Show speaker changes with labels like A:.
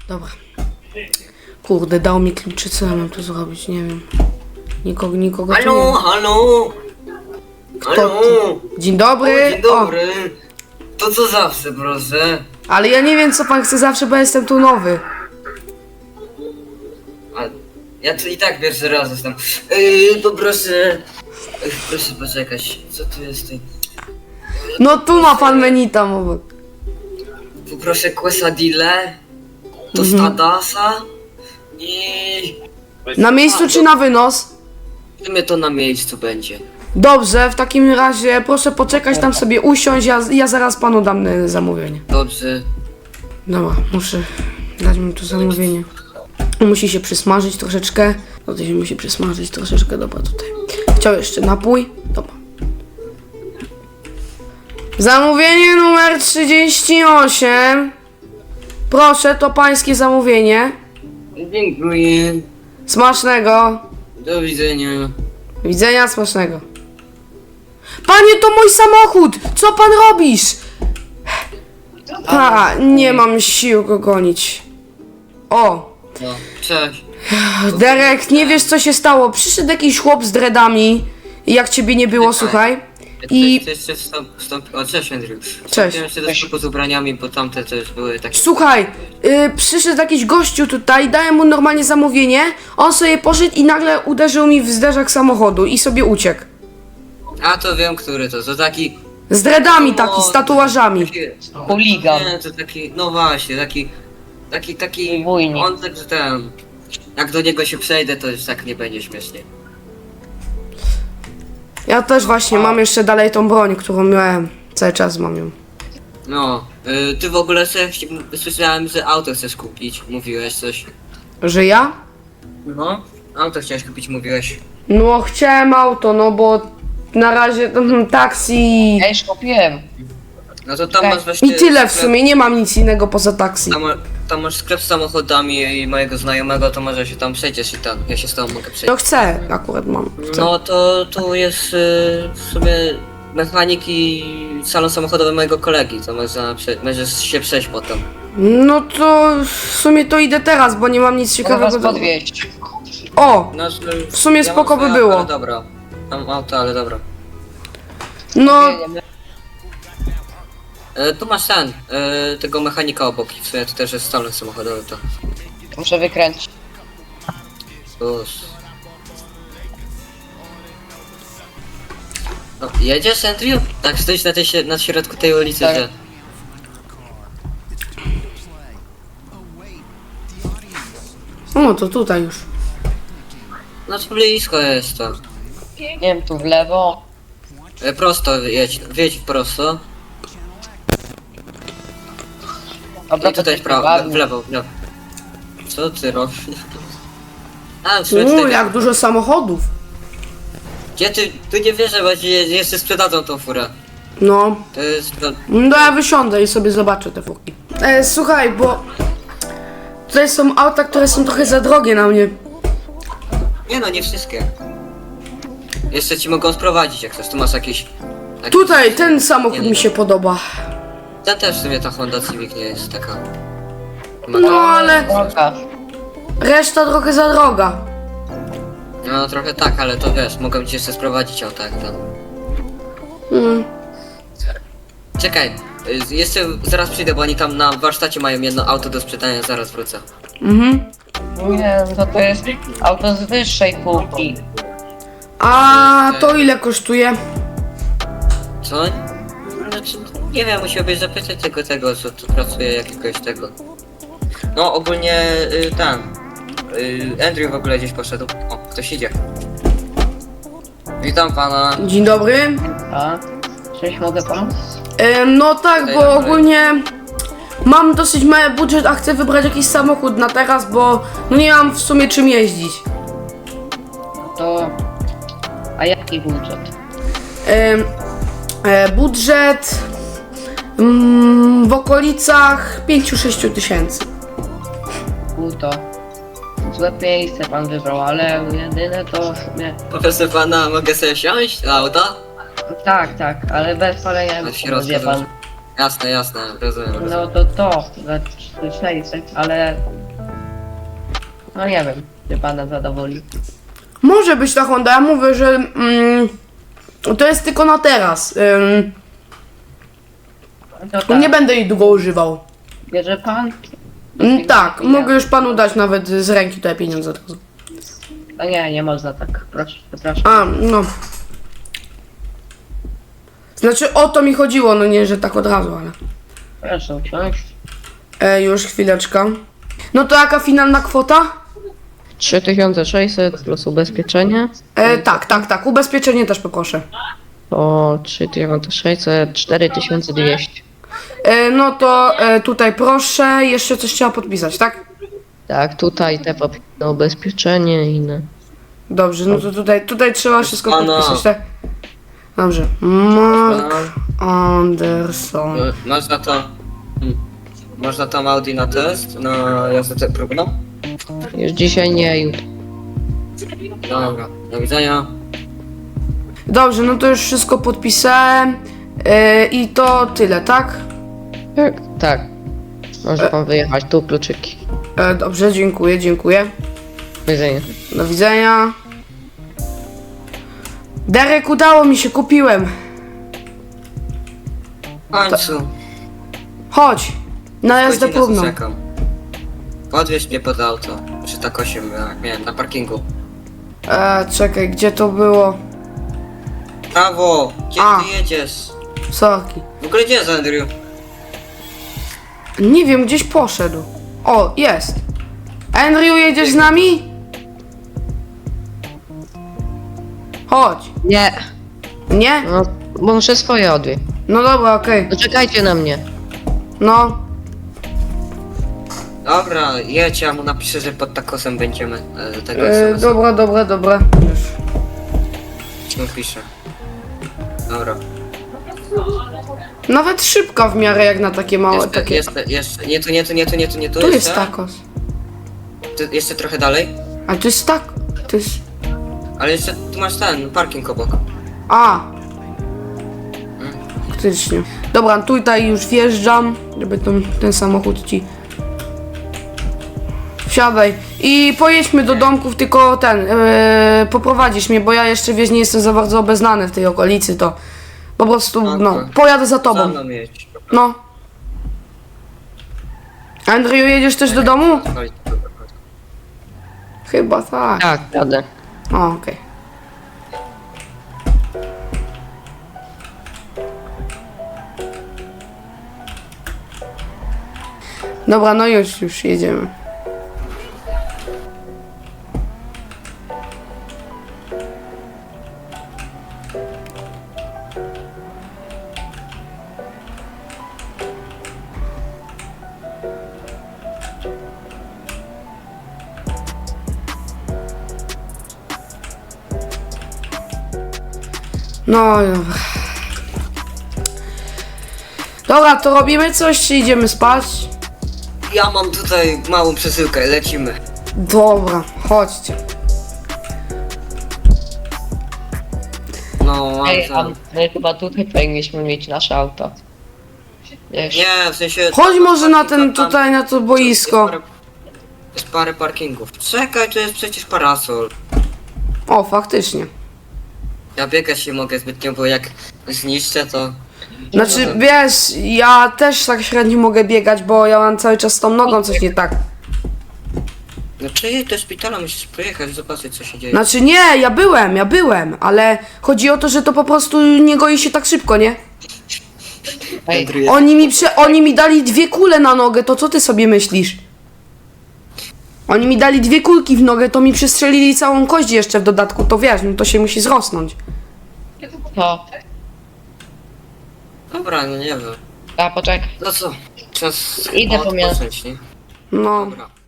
A: Dobra. Kurde, dał mi kluczy, co ja mam tu zrobić, nie wiem. Nikogo tu nie
B: Halo,
A: ma.
B: halo!
A: Kto
B: Halo!
A: to? Dzień dobry.
B: O, dzień dobry! To co zawsze, proszę?
A: Ale ja nie wiem, co pan chce zawsze, bo jestem tu nowy.
B: A ja tu i tak pierwszy raz jestem. Poproszę... proszę poczekać, co tu jest?
A: No tu ma pan menu tam obok.
B: Poproszę quesadille, tostadasa i...
A: Na miejscu czy na wynos?
B: W sumie to na miejscu będzie.
A: Dobrze, w takim razie proszę poczekać, tam sobie usiąść, ja zaraz panu dam zamówienie.
B: Dobrze.
A: Dobra, muszę dać mu tu zamówienie. Musi się przysmażyć troszeczkę. No to się musi przysmażyć troszeczkę, dobra tutaj. Chciał jeszcze napój? Dobra. Zamówienie numer 38. Proszę, to pańskie zamówienie.
B: Dziękuję.
A: Smacznego.
B: Do widzenia.
A: Widzenia, smacznego. Panie, to mój samochód! Co pan robisz? A, nie mam sił go gonić. O,
B: No, cześć.
A: Derek, nie wiesz co się stało. Przyszedł jakiś chłop z dreadami, jak ciebie nie było, słuchaj. I
B: Jeszcze o, cześć Andrew.
A: Cześć.
B: Wstąpiłem jeszcze do sklepu z ubraniami, bo tamte też były takie...
A: słuchaj, przyszedł jakiś gościu tutaj, dałem mu normalnie zamówienie, on sobie poszedł i nagle uderzył mi w zderzak samochodu i sobie uciekł.
B: A to wiem, który to taki...
A: Z dreadami taki, z tatuażami.
C: Chuligan.
B: Nie, to taki, no właśnie, taki...
C: Wójnik.
B: On tak, że ten... Jak do niego się przejdę, to już tak nie będzie śmiesznie.
A: Ja też właśnie mam jeszcze dalej tą broń, którą miałem. Cały czas mam ją.
B: No, ty w ogóle słyszałem, że auto chcesz kupić, mówiłeś coś.
A: Że ja?
B: No, auto chciałeś kupić, mówiłeś.
A: No chciałem auto, no bo na razie taksi
C: Ja już kupiłem.
B: No to tam masz właśnie...
A: i tyle w
B: sklep-
A: sumie, nie mam nic innego poza taksi.
B: Tam masz sklep z samochodami i mojego znajomego, to może się tam przejdziesz i tam, ja się z tobą mogę przejść.
A: No chcę, akurat mam. Chcę.
B: No to tu jest w sumie mechanik i salon samochodowy mojego kolegi, to możesz się przejść potem.
A: No to w sumie to idę teraz, bo nie mam nic
C: Mogę was
A: ciekawego do...
C: podwieźć.
A: O!
B: No,
A: W sumie
B: ja
A: spoko
B: mam
A: by
B: swoje
A: było.
B: auto, ale dobra. Mam auto, ale dobra.
A: No,
B: Tu masz ten, tego mechanika obok i w sumie to też jest salon samochodowy, to
C: Muszę wykręcić.
B: już. No, jedziesz, Andrew? Tak, stoisz na środku tej ulicy,
C: Tak.
B: że...
A: o to tutaj już.
B: No to blisko jest to.
C: Nie wiem, tu w lewo.
B: Prosto jedź, wyjedź prosto.
C: Dobra,
B: I tutaj w prawo, w lewo, w lewo. Co ty robisz? A, w sumie tutaj...
A: Jak dużo samochodów.
B: Gdzie ty... Tu nie wierzę, bo ci jeszcze sprzedadzą tą furę.
A: No,
B: To jest...
A: no ja wysiądę i sobie zobaczę te furki. Słuchaj, bo tutaj są auta, które są trochę za drogie na mnie.
B: Nie no, nie wszystkie. Jeszcze ci mogą sprowadzić, jak chcesz. Tu masz jakiś...
A: Tutaj ten samochód mi się podoba.
B: Ten też w sumie ta Honda Civic nie jest taka...
A: No ale
C: Droga.
A: reszta trochę za droga.
B: No trochę tak, ale to wiesz, mogą ci jeszcze sprowadzić auto jak ten.
A: Mm.
B: Czekaj, jeszcze zaraz przyjdę, bo oni tam na warsztacie mają jedno auto do sprzedania, zaraz wrócę.
A: Mhm.
C: Nie, to jest auto z wyższej półki.
A: A to ile kosztuje?
B: Co? Znaczy, nie wiem, musiałbyś zapytać tego, co tu pracuje, jakiegoś tego. No ogólnie Andrew w ogóle gdzieś poszedł. O, ktoś idzie. Witam pana.
A: Dzień dobry.
C: A? Cześć, mogę pomóc?
A: No tak, bo ogólnie mam dosyć mały budżet, a chcę wybrać jakiś samochód na teraz, bo no nie mam w sumie czym jeździć.
C: To... A jaki budżet?
A: Budżet w okolicach 5-6 tysięcy.
C: To złe miejsce pan wybrał, ale jedyne to w sumie...
B: Proszę pana, mogę sobie wsiąść do auta?
C: Tak, ale bez palenia
B: W środku,
C: wie pan.
B: Jasne, rozumiem.
C: No to za 600, ale No nie wiem, czy pana zadowoli.
A: Może być ta Honda, ja mówię, że to jest tylko na teraz.
C: No tak,
A: Nie będę jej długo używał.
C: bierze pan?
A: Tak, mogę już panu dać nawet z ręki tutaj pieniądze od razu.
C: No nie, nie można tak, proszę, przepraszam.
A: A, no. Znaczy o to mi chodziło, no nie, że tak od razu, ale...
C: Proszę usiąść.
A: Już chwileczkę. No to jaka finalna kwota?
D: 3600 plus ubezpieczenie.
A: Tak, ubezpieczenie też poproszę.
D: To 3600, 4200.
A: No to tutaj proszę, jeszcze coś trzeba podpisać, tak?
D: Tak, tutaj te papiery na ubezpieczenie i inne.
A: Dobrze, no to tutaj trzeba wszystko
B: Pana.
A: podpisać, tak? Dobrze. Mark Anderson.
B: Można tam Audi na test, na jazdę próbną?
D: Już dzisiaj nie, jutro.
B: Dobra, do widzenia.
A: Dobrze, no to już wszystko podpisałem. I to tyle, tak?
D: Tak, tak. Może pan wyjechać, tu kluczyki.
A: Dobrze, dziękuję.
D: Do widzenia.
A: Do widzenia. Derek, udało mi się, kupiłem.
B: W końcu.
A: Chodź, na jazdę
B: Godzinę
A: próbną.
B: czekam. Podwieź mnie pod auto. Przy tak 8 miałem na parkingu.
A: Czekaj, gdzie to było?
B: Prawo! Gdzie
A: A.
B: ty jedziesz?
A: Sorki.
B: W ogóle gdzie jest Andrew?
A: Nie wiem, gdzieś poszedł. O, jest. Andrew, jedziesz z nami? Chodź.
D: Nie,
A: Nie?
D: no, bo muszę swoje odwieźć.
A: No dobra, okej.
D: No czekajcie na mnie.
A: No.
B: Dobra, jedź, ja mu napiszę, że pod takosem będziemy tego SMS-a.
A: Dobra. Już.
B: Mu piszę. Dobra.
A: Nawet szybka w miarę jak na takie małe, takie...
B: Jeszcze, nie tu
A: Tu jest
B: jeszcze.
A: tacos.
B: Jeszcze trochę dalej.
A: A tu jest tak... To jest...
B: Ale jeszcze tu masz ten parking obok.
A: A. Faktycznie. Dobra, tutaj już wjeżdżam, żeby ten samochód ci... Wsiadaj. I pojedźmy do domków, tylko poprowadzisz mnie, bo ja jeszcze, wiesz, nie jestem za bardzo obeznany w tej okolicy, to... Po prostu, no,
B: Okej.
A: pojadę za
B: Za
A: tobą.
B: mną jedź.
A: No. Andrew, jedziesz też do domu? Chyba tak.
D: Tak, jadę.
A: O, okej. Dobra, no już jedziemy. No, dobra. Dobra, to robimy coś, czy idziemy spać?
B: Ja mam tutaj małą przesyłkę, lecimy.
A: Dobra, chodźcie.
B: No, mam
C: Ej, a
B: ten.
C: my chyba tutaj powinniśmy mieć nasze auto. Wiesz,
B: Nie, w sensie...
A: Chodź może na ten,
B: tam-
A: tutaj, na to boisko.
B: Jest parę parkingów. Czekaj, to jest przecież parasol.
A: O, faktycznie.
B: Ja biegać nie mogę zbytnio, bo jak zniszczę to...
A: Znaczy, wiesz, ja też tak średnio mogę biegać, bo ja mam cały czas z tą nogą coś nie tak.
B: No przyjedź do szpitala, musisz pojechać, zobaczyć co się dzieje.
A: Znaczy nie, ja byłem, ale chodzi o to, że to po prostu nie goi się tak szybko, nie?
C: ej,
B: Andrew jest-
A: Oni mi dali 2 kule na nogę, to co ty sobie myślisz? Oni mi dali 2 kulki w nogę, to mi przestrzelili całą kość jeszcze w dodatku, to wiesz, no to się musi zrosnąć.
C: to.
B: Dobra, no nie wiem.
C: A poczekaj.
B: No co? Czas
C: Idę po mięso.
B: odpocząć, nie?
A: No.
B: Dobra.